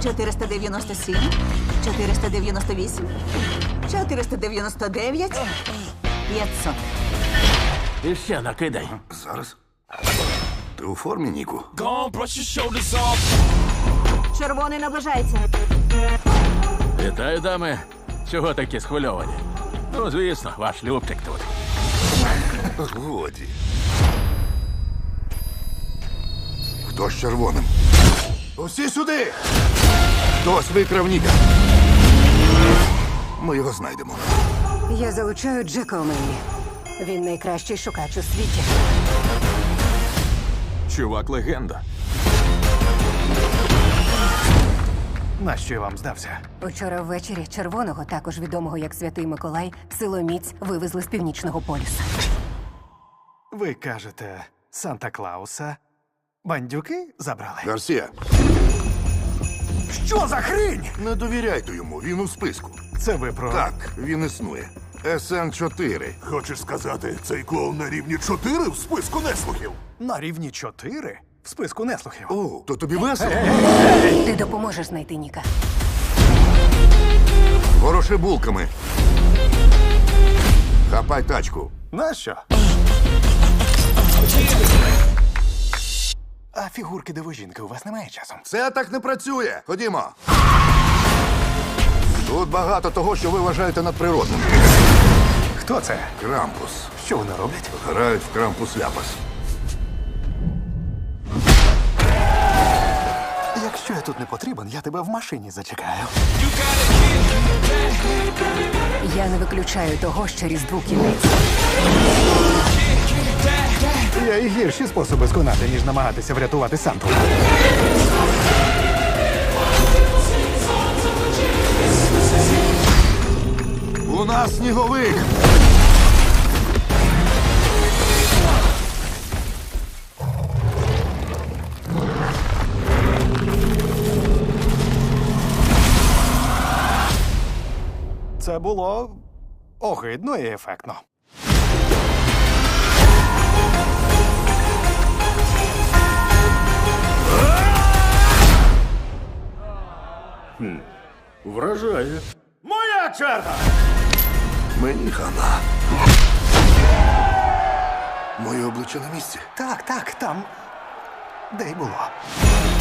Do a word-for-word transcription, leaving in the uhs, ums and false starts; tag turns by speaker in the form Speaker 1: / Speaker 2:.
Speaker 1: чотириста дев'яносто сім, чотириста дев'яносто вісім, чотириста дев'яносто дев'ять, п'ятсот.
Speaker 2: І ще накидай.
Speaker 3: Зараз. Ти у формі, Ніку?
Speaker 4: Gone, brush your shoulders off.
Speaker 1: Червоний наближається.
Speaker 2: Вітаю, дами. Чого такі схвильовані? Ну, звісно, ваш Любчик тут.
Speaker 3: Годі. Хто з червоним? Усі сюди! Хтось викрав Ніка. Ми його знайдемо.
Speaker 5: Я залучаю Джека Омені. Він найкращий шукач у світі.
Speaker 4: Чувак легенда.
Speaker 6: Нащо я вам здався?
Speaker 5: Учора ввечері червоного, також відомого як Святий Миколай, силоміць вивезли з північного полюса.
Speaker 6: Ви кажете, Санта-Клауса бандюки забрали?
Speaker 3: Гарсія,
Speaker 6: Що за хрінь?
Speaker 3: не довіряйте йому, він у списку.
Speaker 6: Це ви про...
Speaker 3: Так, він існує. Ес Ен чотири.
Speaker 7: Хочеш сказати, цей клоун на рівні чотири в списку неслухів?
Speaker 6: На рівні чотири в списку неслухів.
Speaker 3: О, то тобі весело?
Speaker 5: Ти допоможеш знайти Ніка.
Speaker 3: Вороши булками. Хапай тачку.
Speaker 6: Нащо? А фігурки дивожінки у вас немає часом?
Speaker 3: Це так не працює. Ходімо. Тут багато того, що ви вважаєте надприродним.
Speaker 6: Хто це?
Speaker 3: Крампус.
Speaker 6: Що вони роблять?
Speaker 3: Грають в крампус-ляпас.
Speaker 6: Якщо я тут не потрібен, я тебе в машині зачекаю.
Speaker 5: Я не виключаю того, що Різдву кінець.
Speaker 6: Є і гірші способи сконати, ніж намагатися врятувати Санту.
Speaker 3: У нас сніговик.
Speaker 6: Це було огидно і ефектно.
Speaker 2: Вражає.
Speaker 4: Моя черга!
Speaker 3: Мені хана. Моє обличчя на місці.
Speaker 6: Так, так, там. Де й було.